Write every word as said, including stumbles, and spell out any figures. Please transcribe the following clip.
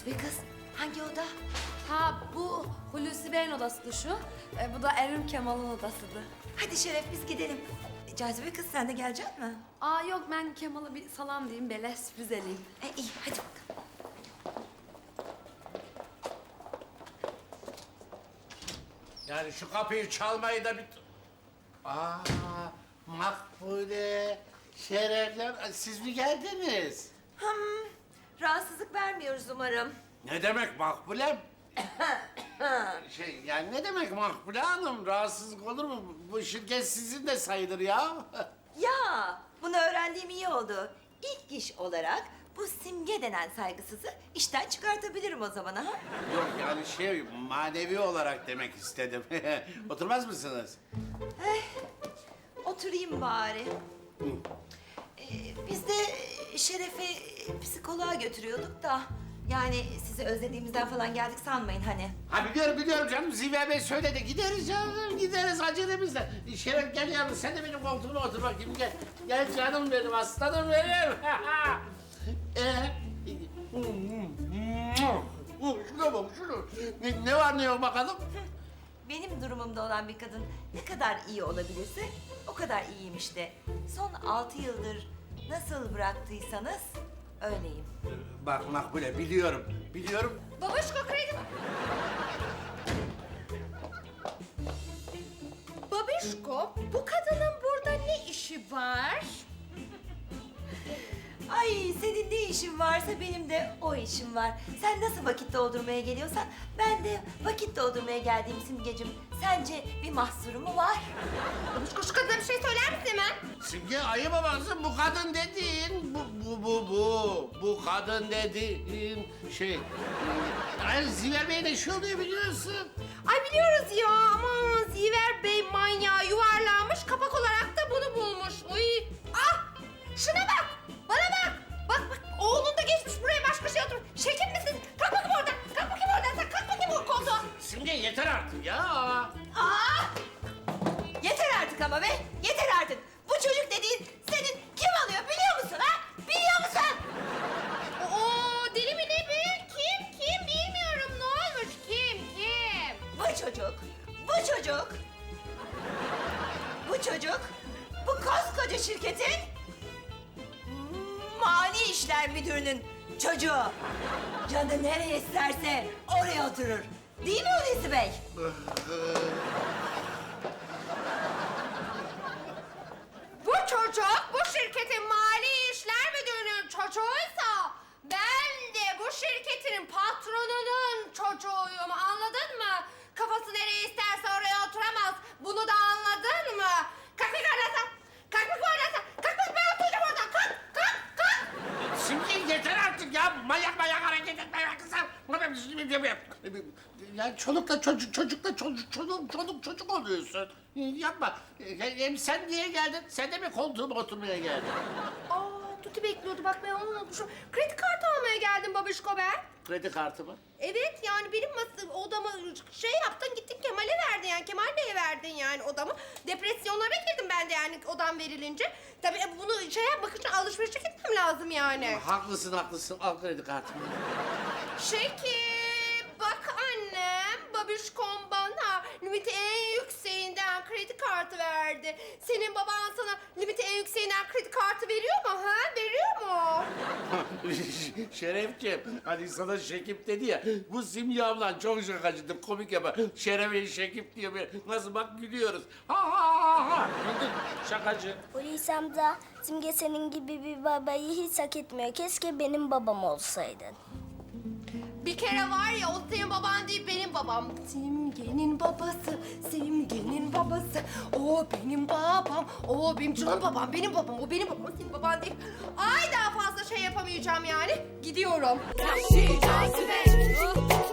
Cazibe kız, hangi oda? Ha bu Hulusi Bey'in odasıdır şu. E, bu da Erim Kemal'ın odasıdır. Hadi Şeref biz gidelim. E, Cazibe kız sen de gelecek mi? Aa yok ben Kemal'a bir salam diyeyim, böyle sürpriz edeyim. E, iyi hadi bakalım. Yani şu kapıyı çalmayı da bir... Aa, Makbule, Şerefler, siz mi geldiniz? Hmm, rahatsızlık vermiyoruz umarım. Ne demek Makbulem? şey, yani ne demek Makbule Hanım? Rahatsızlık olur mu? Bu şirket sizin de sayılır ya. Ya bunu öğrendiğim iyi oldu. İlk iş olarak bu Simge denen saygısızı işten çıkartabilirim o zaman ha? Yok yani şey, manevi olarak demek istedim. Oturmaz mısınız? Oturayım bari. Ee, biz de Şeref'i psikoloğa götürüyorduk da... Yani sizi özlediğimizden falan geldik sanmayın hani. Ha biliyorum biliyorum canım, Ziver Bey söyledi. Gideriz canım, gideriz acelemizle. Şeref gel yavrum, sen de benim koltuğuma otur bakayım, gel. Gel canım benim, aslanım benim. Ee, şuna bak, şunu. Ne, ne var ne yok bakalım? Benim durumumda olan bir kadın ne kadar iyi olabilirse o kadar iyiyim işte. Son altı yıldır nasıl bıraktıysanız öyleyim. Bak Makbule, biliyorum, biliyorum. Babuşko kredi. Babişko, bu kadının burada ne işi var? Ay senin ne işin varsa benim de o işim var. Sen nasıl vakit doldurmaya geliyorsan ben de vakit doldurmaya geldiğim Simgeciğim. Sence bir mahsuru mu var? Babişko şu kadına bir şey söyler misin hemen? Simge ayıp babası, bu kadın dediğin, bu, bu, bu, bu, bu kadın dediğin şey... Ay Ziver Bey de şu oluyor biliyorsun. Ay biliyoruz ya ama Ziver Bey manyağı yuvarlanmış kapak olarak da bunu bulmuş. Uy. Ah şuna bak bana bak. Bak bak oğlun da geçmiş buraya başka şey oturmuş. Şekil misin? Kalk bakayım oradan. Kalk bakayım oradan. Sen kalk bakayım o koltuğa. Simge yeter artık ya. Aa! Yeter artık ama be! Yeter artık! Bu çocuk dediğin senin kim alıyor biliyor musun ha? Biliyor musun? Oo deli mi ne be? Kim kim bilmiyorum ne olmuş kim kim? Bu çocuk, bu çocuk, bu çocuk, bu koskoca şirketin mali işler müdürünün çocuğu. Canı nereye isterse oraya oturur. Değil mi Hulusi Bey? Bu çocuk bu şirketin mali işler müdürünün çocuğuysa ben de bu şirketin patronunun çocuğuyum, anladın mı? Kafası nereye isterse oraya oturamaz. Bunu da anladın mı? Kalk bir kardeşim. Kalk bir kardeşim. Kalk bak ben oturacağım oradan. Kalk kalk kalk. Simge yeter artık ya. Manyak manyak hareket etme ya kızım. Ya çolukla çocuk, çocukla çocuk, çoluk, çoluk çocuk oluyorsun. Yapma. Hem sen niye geldin? Sen de mi koltuğuma oturmaya geldin? Aa Tuti bekliyordu bak ben onu unutmuşum. Kredi kartı almaya geldim babişko ben. Kredi kartı mı? Evet yani benim mas- odamı şey yaptın gittin Kemal'e verdin yani Kemal Bey'e verdin yani odamı. Depresyonlara girdim ben de yani odam verilince. Tabii bunu şey yapmak için alışverişe gitmem lazım yani. Haklısın haklısın. Al kredi kartımı. Şekil bak annem babişkom bana limiti en yükseğinden kredi kartı verdi. Senin baban sana limiti en yükseğinden kredi kartı veriyor mu ha? Veriyor mu? Şerefciğim, hani sana Şekip dedi ya, bu Simge ablan çok şakacıdır, komik yapar. Şeref'e Şekip diyor böyle, nasıl bak gülüyoruz. Ha ha ha ha. Güldün, şakacı. Hulusi amca, Simge senin gibi bir babayı hiç hak etmiyor. Keşke benim babam olsaydın. Bir kere var ya o senin baban değil benim babam. Simge'nin babası, Simge'nin babası. O benim babam, o benim canım babam, benim babam, o benim babam, senin baban değil. Ay daha fazla şey yapamayacağım yani. Gidiyorum. Vahşi cazibe.